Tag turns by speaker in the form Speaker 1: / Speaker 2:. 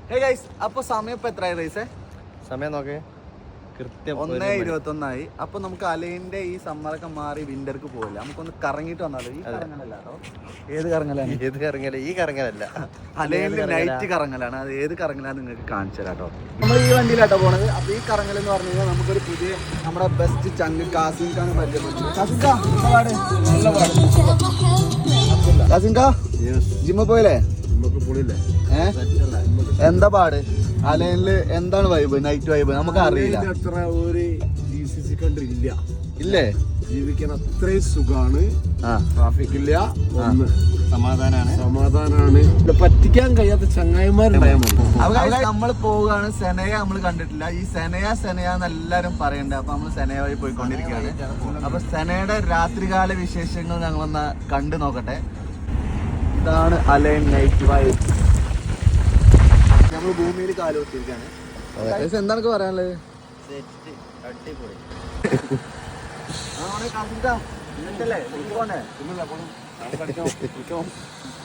Speaker 1: Hey guys, അപ്പൊ സമയം ഇപ്പൊ എത്രയായി റൈസേ?
Speaker 2: സമയം നോക്കേ, കൃത്യം
Speaker 1: 1:21 അപ്പൊ നമുക്ക് അലൈൻ്റെ ഈ സമ്മറൊക്കെ മാറി വിന്റർക്ക് പോകില്ല, നമുക്കൊന്ന് കറങ്ങിട്ട് വന്നാലോ. ഈ കറങ്ങലല്ല കേട്ടോ. ഏത് കറങ്ങലാണ്?
Speaker 2: ഏത് കറങ്ങല? ഈ കറങ്ങലല്ല,
Speaker 1: അലൈനില് നൈറ്റ് കറങ്ങലാണ്. അത് ഏത് കറങ്ങലാന്ന് നിങ്ങൾക്ക് കാണിച്ചു തരാം കേട്ടോ. നമ്മൾ ഈ വണ്ടിയിലാട്ടോ പോണത്. അപ്പൊ ഈ കറങ്ങൽ എന്ന് പറഞ്ഞു കഴിഞ്ഞാൽ നമുക്കൊരു പുതിയ നമ്മുടെ ബെസ്റ്റ് ചങ്ക് കാസിംഖാണ് പരിചയപ്പെട്ടു. കാസിംഖാ ജിമ്മ പോയില്ലേ? എന്താ പാട്? അലൈനില് എന്താണ് വൈബ്? നൈറ്റ് വൈബ് നമുക്ക് അറിയില്ല.
Speaker 3: അത്ര ഒരു GCC കൺട്രി ഇല്ല.
Speaker 1: ഇല്ലേ?
Speaker 3: ജീവിക്കാൻ അത്രയും സുഖാണ്. ട്രാഫിക് ഇല്ല, സമാധാനാണ്. പറ്റിക്കാൻ കഴിയാത്ത ചങ്ങായിമാരുണ്ടായാൽ മതി.
Speaker 1: നമ്മൾ പോവുകയാണ്. സെനയ നമ്മൾ കണ്ടിട്ടില്ല. ഈ സെനയ എന്ന് എല്ലാരും പറയണ്ടേ. അപ്പൊ നമ്മൾ സെനയ വഴി പോയിക്കൊണ്ടിരിക്കുകയാണ്. അപ്പൊ സെനയുടെ രാത്രികാല വിശേഷങ്ങൾ ഞങ്ങളൊന്ന് കണ്ടു നോക്കട്ടെ. ഇതാണ് അലൈൻ നൈറ്റ് വൈബ്. നമ്മൾ ഭൂമിയിൽ കാലുകൊത്തിരിക്കുകയാണ്. എന്താണ് പറയാനുള്ളത്?
Speaker 2: അടിപൊളി.
Speaker 1: ആ